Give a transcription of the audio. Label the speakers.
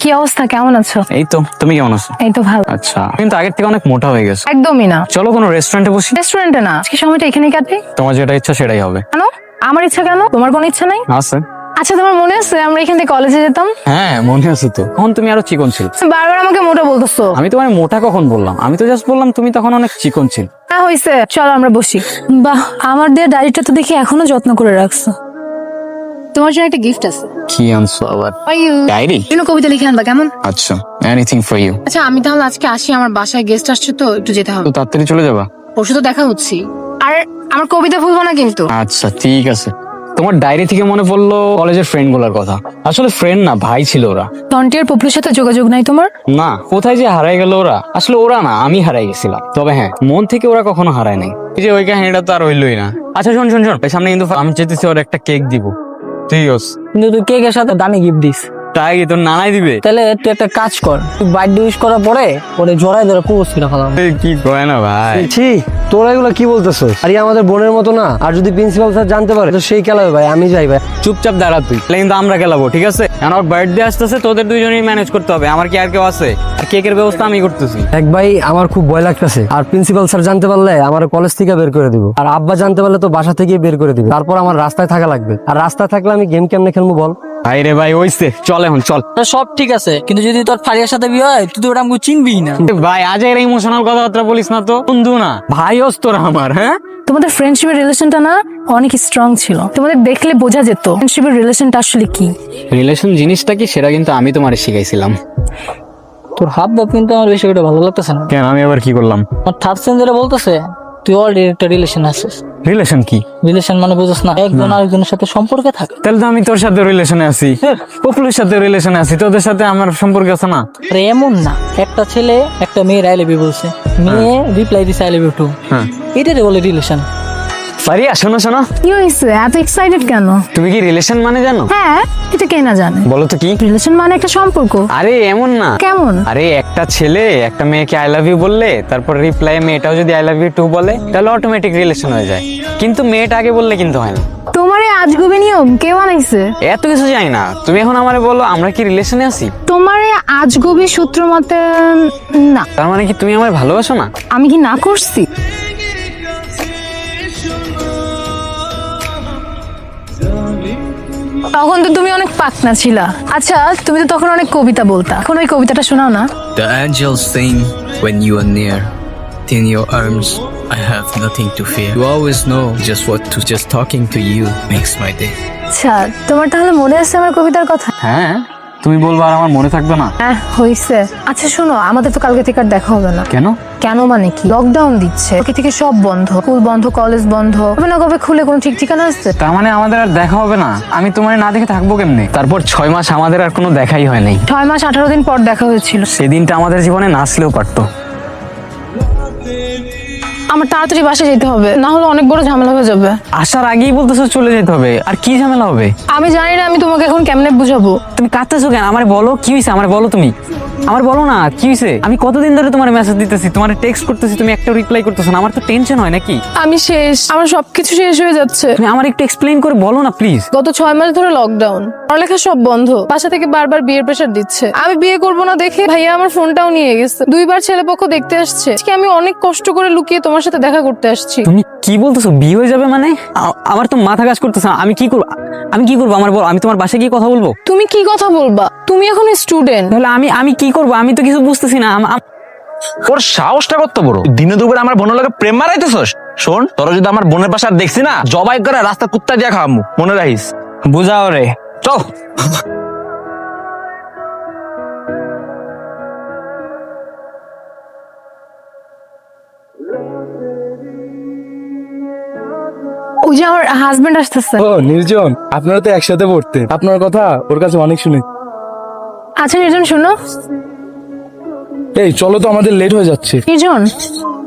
Speaker 1: কি অবস্থা, কেমন আছো?
Speaker 2: এই তো, তুমি কেমন আছো?
Speaker 1: এই তো ভালো।
Speaker 2: আচ্ছা, কিন্তু আগের থেকে অনেক মোটা হয়ে গেছো।
Speaker 1: একদমই না।
Speaker 2: চলো কোনো রেস্টুরেন্টে বসি।
Speaker 1: রেস্টুরেন্টে না, আজকে সময়টা এখানেই কাটে।
Speaker 2: তোমার যেটা ইচ্ছা সেটাই হবে।
Speaker 1: কেন? আমার ইচ্ছা কেন? তোমার কোনো ইচ্ছা নাই?
Speaker 2: আছে।
Speaker 1: আচ্ছা, তোমার মনে আছে আমরা এখান থেকে কলেজে যেতাম?
Speaker 2: হ্যাঁ, মনে আছে তো। তখন তুমি আরো চিকন ছিল।
Speaker 1: তুমি বারবার আমাকে মোটা বলতেছো।
Speaker 2: আমি তোমার মোটা কখন বললাম? আমি তো জাস্ট বললাম তুমি তখন অনেক চিকন ছিল।
Speaker 1: হ্যাঁ হইছে, চলো আমরা বসি। বাহ, আমার দেওয়া ডায়েরিটা তো দেখি এখনো যত্ন করে রাখছো। তোমার জন্য একটা গিফট আছে।
Speaker 2: কি আনছো আবার? ডায়েরি?
Speaker 1: কবিতা লিখে আনবা কেমন?
Speaker 2: আচ্ছা, এনিথিং ফর ইউ।
Speaker 1: আচ্ছা, আমি তাহলে আজকে আসি, আমার বাসায় গেস্ট আসছে তো একটু যেতে হবে।
Speaker 2: তো তাড়াতাড়ি চলে যাবা?
Speaker 1: পরশু তো দেখা হচ্ছি। আর আমার কবিতা ভুলবো না কিন্তু।
Speaker 2: আচ্ছা ঠিক আছে। তোমার ডায়েরি থেকে মনে পড়লো কলেজের ফ্রেন্ড গুলার কথা। আসলে ফ্রেন্ড না, ভাই ছিল ওরা।
Speaker 1: টন্টি আর পপুলের সাথে যোগাযোগ নাই তোমার?
Speaker 2: না, কোথায় যে হারাই গেল ওরা। আসলে ওরা না, আমি হারাই গেছিলাম। তবে হ্যাঁ, মন থেকে ওরা কখনো হারায় নাই। এই যে ওই কাহিনীটা তো আর হইলই না। আচ্ছা শোন শোন শোন, সামনে কিন্তু আমি চেয়েছি ওর একটা কেক দিব। ঠিক আছে,
Speaker 3: কিন্তু তুই কেকের সাথে দামি গিফট দিস।
Speaker 2: তাই তোর নানাই দিবে?
Speaker 3: তাহলে তুই একটা কাজ কর, তুই বার্থডে উইশ করার পরে ওরে জড়াই ধরে প্রপোজ করে ফেলাম।
Speaker 2: এই কি কয় না ভাই।
Speaker 4: ছি, তোরা এগুলো কি বলতেছস? আরে আমাদের বোনের মতো না। আর যদি প্রিন্সিপাল স্যার জানতে পারে তো সেই খেলাবে ভাই, আমি যাই ভাই।
Speaker 2: চুপচাপ দাঁড়া তুই, তাহলে কিন্তু আমরা খেলাবো। ঠিক আছে, এখন ওর বার্থডে আসতেছে, তোদের দুইজনেই ম্যানেজ করতে হবে। আমার কি আর কেউ আছে? আর কেকের ব্যবস্থা আমি করতেছি।
Speaker 4: এক ভাই, আমার খুব ভয় লাগতেছে। আর প্রিন্সিপাল স্যার জানতে পারলে আমার কলেজ থেকে বের করে দিব। আর আব্বা জানতে পারলে তো বাসা থেকে বের করে দিবে। তারপর আমার রাস্তায় থাকা লাগবে। আর রাস্তায় থাকলে আমি গেম কেমনে খেলবো বল?
Speaker 2: ভাই রে ভাই, ওইসে চল এখন চল।
Speaker 3: তো সব ঠিক আছে, কিন্তু যদি তোর ফারিয়ার সাথে বিয়ে হয় তুই তো ওটা আমাকে চিনবি না।
Speaker 2: ভাই আজ এর ইমোশনাল কথাবার্তা বলিস না তো। বন্ধু না, ভাই হস তোরা আমার। হ্যাঁ,
Speaker 1: তোমাদের ফ্রেন্ডশিপের রিলেশনটা না অনেক স্ট্রং ছিল। তোমাদের দেখলে বোঝা যেত ফ্রেন্ডশিপের রিলেশনটা আসলে কি।
Speaker 2: রিলেশন জিনিসটা কি সেটা কিন্তু আমি তোমারে শিখাইছিলাম।
Speaker 3: তোর হাব ভাব কিন্তু আমার বেশি করে ভালো লাগতেছে না।
Speaker 2: কেন, আমি আবার কি করলাম?
Speaker 3: আমার থার্ড সেঞ্জারে বলতেছে তুই অলরেডি একটা রিলেশন আছিস।
Speaker 2: রিলেশন কি?
Speaker 3: রিলেশন মানে বুঝছ না, একজন আরেকজনের সাথে সম্পর্কে থাকে।
Speaker 2: তাহলে তো আমি তোর সাথে রিলেশনে আছি, পপুলের সাথে রিলেশনে আছি, তোদের সাথে আমার সম্পর্ক আছে না?
Speaker 3: আরে এমন না, একটা ছেলে একটা মেয়ের আই লাভ ইউ বলছে, মেয়ে রিপ্লাই দিছে আই লাভ ইউ টু।
Speaker 2: হ্যাঁ,
Speaker 3: এটারে বলে রিলেশন।
Speaker 2: ফারিয়া শোনো শোনো,
Speaker 1: কি হয়েছে, এত এক্সাইটেড কেন?
Speaker 2: তুমি কি রিলেশন মানে জানো?
Speaker 1: হ্যাঁ, এটা কে না জানে।
Speaker 2: বলো তো কি?
Speaker 1: রিলেশন মানে একটা সম্পর্ক।
Speaker 2: আরে এমন না।
Speaker 1: কেমন?
Speaker 2: আরে একটা ছেলে একটা মেয়েকে আই লাভ ইউ বললে, তারপর রিপ্লাই মেয়েটাও যদি আই লাভ ইউ টু বলে, তাহলে অটোমেটিক রিলেশন হয়ে যায়। কিন্তু মেয়েটা আগে বললে কিন্তু হয় না।
Speaker 1: তোমার এই আজগুবি নিয়ম কে বানাইছে?
Speaker 2: এত কিছু জানি না, তুমি এখন আমারে বলো আমরা কি রিলেশনে আছি?
Speaker 1: তোমার এই আজগুবি সূত্র মতে না।
Speaker 2: তার মানে কি তুমি আমায় ভালোবাসো না?
Speaker 1: আমি কি না করছি? তখন তো তুমি অনেক পাকনা ছিলা। আচ্ছা, তুমি তো তখন অনেক কবিতা বলতা, এখন ওই কবিতাটা শোনাও না।
Speaker 5: The angels sing when you are near. In your arms, I have nothing to fear. You always know just what to. Just talking to you makes my day.
Speaker 1: আচ্ছা, তোমার তাহলে মনে আছে আমার কবিতার কথা?
Speaker 2: হ্যাঁ, তুমি বলবো আর আমার মনে থাকবে না?
Speaker 1: হ্যাঁ হইছে। আচ্ছা শোনো, আমাদের তো কালকে থেকে আর দেখা হবে না।
Speaker 2: কেন?
Speaker 1: কেন মানে কি, লকডাউন দিচ্ছে, কালকে থেকে সব বন্ধ, স্কুল বন্ধ, কলেজ বন্ধ। হবে না, কবে খুলে কোনো ঠিক ঠিকানা আছে?
Speaker 2: তার মানে আমাদের আর দেখা হবে না? আমি তোমার না দেখে থাকবো কেমনে? তারপর 6 মাস আমাদের আর কোনো দেখাই হয় নাই।
Speaker 1: 6 মাস 18 দিন পর দেখা হয়েছিল।
Speaker 2: সেদিনটা আমাদের জীবনে নাচলেও পারতো।
Speaker 1: আমার তাড়াতাড়ি বাসায় যেতে হবে, না হলে অনেক বড় ঝামেলা হয়ে যাবে।
Speaker 2: আসার আগেই বলতেছো চলে যেতে হবে, আর কি ঝামেলা হবে?
Speaker 1: আমি জানি না, আমি তোমাকে এখন কেমনে বুঝাবো।
Speaker 2: তুমি কাঁদতেছো কেন? আমার বলো কি হয়েছে, আমার বলো তুমি। আমার বলো না কি হয়েছে। আমি কতদিন ধরে তোমার মেসেজ দিতেছি, তোমার টেক্সট করতেছি, তুমি একটা রিপ্লাই করতেছো না। আমার তো টেনশন হয় নাকি?
Speaker 1: আমি শেষ, আমার সবকিছু শেষ হয়ে যাচ্ছে।
Speaker 2: তুমি আমার একটু এক্সপ্লেইন করে বলো না প্লিজ।
Speaker 1: গত 6 মাস ধরে লকডাউন, পড়ালেখা সব বন্ধ, বাসা থেকে বারবার বিয়ের প্রেশার দিচ্ছে। আমি বিয়ে করবো না দেখে ভাইয়া আমার ফোনটাও নিয়ে গেছে, 2বার ছেলেপক্ষ দেখতে আসছে। আজকে আমি অনেক কষ্ট করে লুকিয়ে তোমার সাথে দেখা করতে আসছি।
Speaker 2: তুমি কি বলতেছো? বিয়ে হয়ে যাবে মানে? আমার তো মাথা কাজ করতেছে না। আমি কি করবো? আমি কি করবো আমার বল। আমি তোমার বাসায় গিয়ে কথা বলবো?
Speaker 1: তুমি কি কথা বলবা? তুমি এখন স্টুডেন্ট।
Speaker 2: তাহলে আমি কি করবো? আমি তো কিছু বুঝতেছি না।
Speaker 6: ওর সাহসটা কত বড়! দিনে দুপুরে আমার বোনের লাগে প্রেম মারাইতেছস? শোন, তোরা যদি আমার বোনের পাশে আর দেখছি না, জবাই করে রাস্তা কুত্তা দিয়া খাওয়ামু, মনে রাখিস।
Speaker 2: বুঝাও রে।
Speaker 6: চল।
Speaker 1: ওই যে আমার হাজবেন্ড আসতেছে।
Speaker 4: ও নির্জন, আপনারা তো একসাথে পড়তেন। আপনার কথা ওর কাছে অনেক শুনে।
Speaker 1: আচ্ছা নির্জন শোনো।
Speaker 4: এই চলো তো, আমাদের লেট হয়ে যাচ্ছে।
Speaker 1: নির্জন,